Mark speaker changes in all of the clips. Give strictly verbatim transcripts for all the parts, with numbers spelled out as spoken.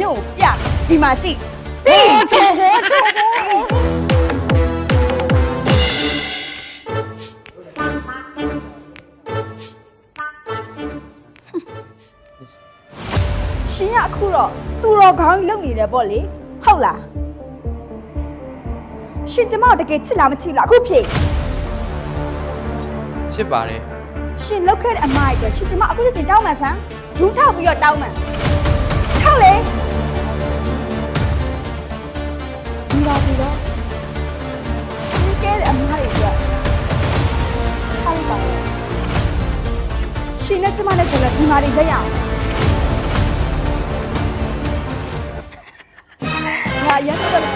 Speaker 1: မြို့ပြဒီမှာကြည့်တိထော်ဟောထော်ဟောရှင်ရအခုတော့သူတော်ခေါင်းလုံနေတယ်ပေါ့လေဟုတ်လားရှင်ကျမတကယ်ချစ်လားမချစ်လားအခုဖြေ
Speaker 2: ချစ်ပါတယ်
Speaker 1: ရှင်လောက်ခဲ့တဲ့အမိုက်အတွက်ရှင်ကျမအခုချက်တင်တောင်းမှန်စမ်းဒူးထောက်ပြီးတော့တောင်းမှန်ထောက်လေဒီပါပြီတော့ဒီကဲတဲ့အမိုက်အတွက်ထောက်ပါရှင်နဲ့ကျမနဲ့ဆိုလည်းဒီမှာနေကြရအောင်ဟာရမ်းတော့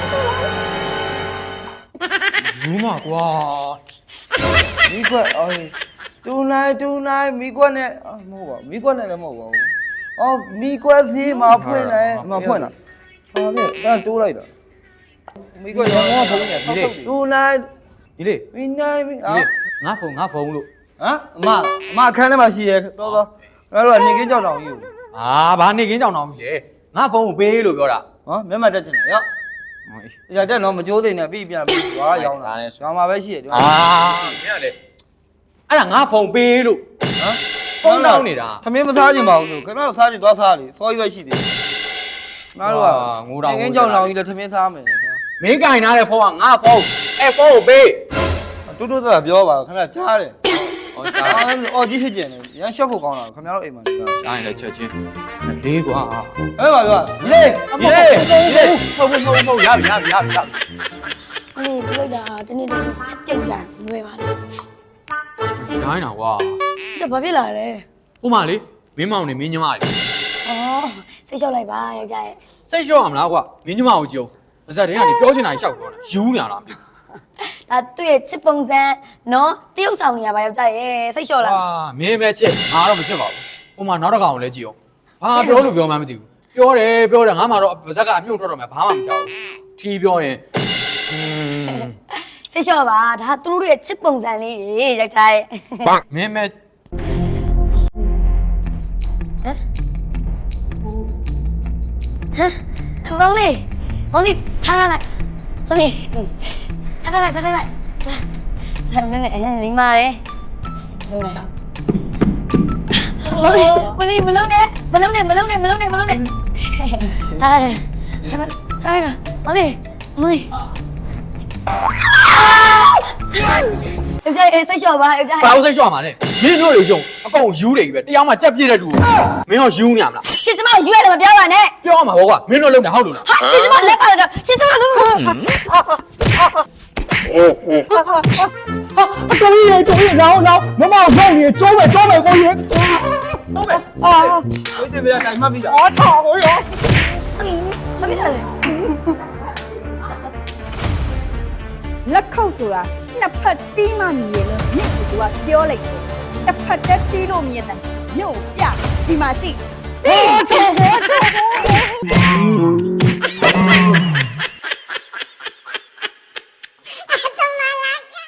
Speaker 2: ဘူးမကွာ
Speaker 3: မိကွက်အော်တူနိုင်တူနိုင်မိကွက်နဲ့မဟုတ်ပါမိကွက်နဲ့လည်းမဟုတ်ပါဘူးအော်မိကွက်စီးမှာဖွင့်တယ်မဖွင့်တာဟာပြအဲ့တိုးလိုက်တာမိကွက်ရောငါဖုန်းနဲ့ဒီလေတူနိုင်
Speaker 2: ဒီလေ
Speaker 3: မိနိုင်မိအာ
Speaker 2: ငါဖုန်းငါဖုန်းလို့
Speaker 3: ဟမ်အမအမအခန်းထဲမှာရှိရဲတော်တော်ငါတို့ကနေကင်းကြောက်တောင်ကြီးကို
Speaker 2: အာဘာနေကင်းကြောက်တောင်ကြီးလေငါဖုန်းကိုပေးလို့ပြောတာ
Speaker 3: ဟောမျက်မှတ်တက်ချင်တယ်ရောဒီကြတက်တော့မကြိုးသိနေပြီပြန်ပြီကွာရောင်းတာရွာမှာပဲရှိရဒီ
Speaker 2: အာမင်းကလေအဲ့ဒါငါဖုန်းပေးလို့ဟမ်ဖုန်းတောင်းနေတာ
Speaker 3: ထမင်းမစားချင်ပါဘူးလို့ခင်ဗျားတို့စားချင်သွားစားလေစောကြီးပဲရှိသေးတယ်ငါတို့ကငိုတောင်ငင်းကြောင်လောင်ကြီးလည်းထမင်းစားမယ်
Speaker 2: မင်းကင်ထားတဲ့ဖုန်းကငါဖုန်းအဲ့ဖုန်းကိုပေး
Speaker 3: တူတူတော့ပြောပါခင်ဗျားကြားတယ်ဟောကြားအော်ကြီးဖြစ်ကျင်တယ်ရမ်းရှော့ဖို့ကောင်းတာခင်ဗျားတို့အိမ်မှာနေတာ
Speaker 2: ကြားရင်လည်းချက်ချင်းလေးကွာ
Speaker 3: အဲ့ပါပြောလေလေလေ
Speaker 2: ဖုန်းဖုန်းဖုန်းဖုန်းရပြီရပြီရပြီရပြီ
Speaker 4: အေးပြလိုက်တာတနေ့တည်းချက်ပြိတ်လာလွယ်ပါလေ
Speaker 2: ရိုင်းတာကွာ
Speaker 4: ကျဘာဖြစ်လာလဲ
Speaker 2: ဟိုမလေးမင်းမောင်နေမင်းညီမလေး
Speaker 4: ဩစိတ်လျှော့လိုက်ပါယောက်ျားရဲ့
Speaker 2: စိတ်လျှော့ရမလားကွာမင်းညီမကိုကြုံပါဇက်တင်းကနေပြောချင်တာရှောက်ပြောတာယူနေတာလားမသိ
Speaker 4: ဘူးဒါသူ့ရဲ့ချစ်ပုံစံနော်တရုပ်ဆောင်နေရပါယောက်ျားရဲ့စိတ်လျှော့လာ
Speaker 2: အာမင်းပဲချစ်ငါတော့မချစ်ပါဘူးဟိုမှာနောက်တစ်ကောင်လည်းကြည့်အောင်ဘာပြောလို့ပြောမှမသိဘူးပြောတယ်ပြောတယ်ငါမှတော့ပါဇက်ကအမြုပ်ထွက်တော့မှဘာမှမကြောက်ဘူးထီးပြောရင်อืม
Speaker 4: စိတ်လျှော့ပါဒါသူတို့ရဲ့ချစ်ပုံစံလေးတွေယောက်ျားရဲ့
Speaker 2: မင်းမဲ
Speaker 4: ဟမ်ဟမ်မောင်လေးမောင်လေးထားလိုက်မောင်လေးထားလိုက်ထားလိုက်ထားနေနေလိမ္မာရဲ့လုံးလိုက်မောင်လေးမလုံးနဲ့မလုံးနဲ့မလုံးနဲ့မလုံးနဲ့မလုံးနဲ့ထားလိုက်ထားလိုက်မောင်လေးမောင်လေးယောက်ျားစိတ်လျှော့ပါယောက်ျား
Speaker 2: ဘာလို့စိတ်လျှော့မှာလဲမင်းတို့တွေယုံအကုန်ယူတယ်ကြီးပဲတရားမှကြက်ပြည့်တဲ့တူမင်းရောယူနေရမလား
Speaker 4: ရှင်ကျမယူရတယ်မပြောပါနဲ့
Speaker 2: ပြောမှာပေါ့ကွာမင်းတို့လုံးတာဟုတ်လို့လား
Speaker 4: ဟာရှင်ကျမလက်ပါတော့ရှင်ကျမလုံးဟာ
Speaker 3: အတော်ကြီးတော်ကြီးလောင်းလောင်းမမရောက်နေကျိုးပဲကျိုးပဲကိုကြီးဟုတ်ပဲအာဝိတ္တပြတိုင်မှတ်ပြီလားအော်ထော်ကိုရော
Speaker 4: မဖြစ်တယ်
Speaker 1: လက်ခောက်ဆိုတာနှစ်ဖက်တီးမှမြည်ရလို့မြင့်ကသူကပြောလိုက်တယ်တစ်ဖက်တည်းတီးလို့မြည်တယ်မြို့ပြဒီမှာကြည့်တိထော်ဟောထော်ဟော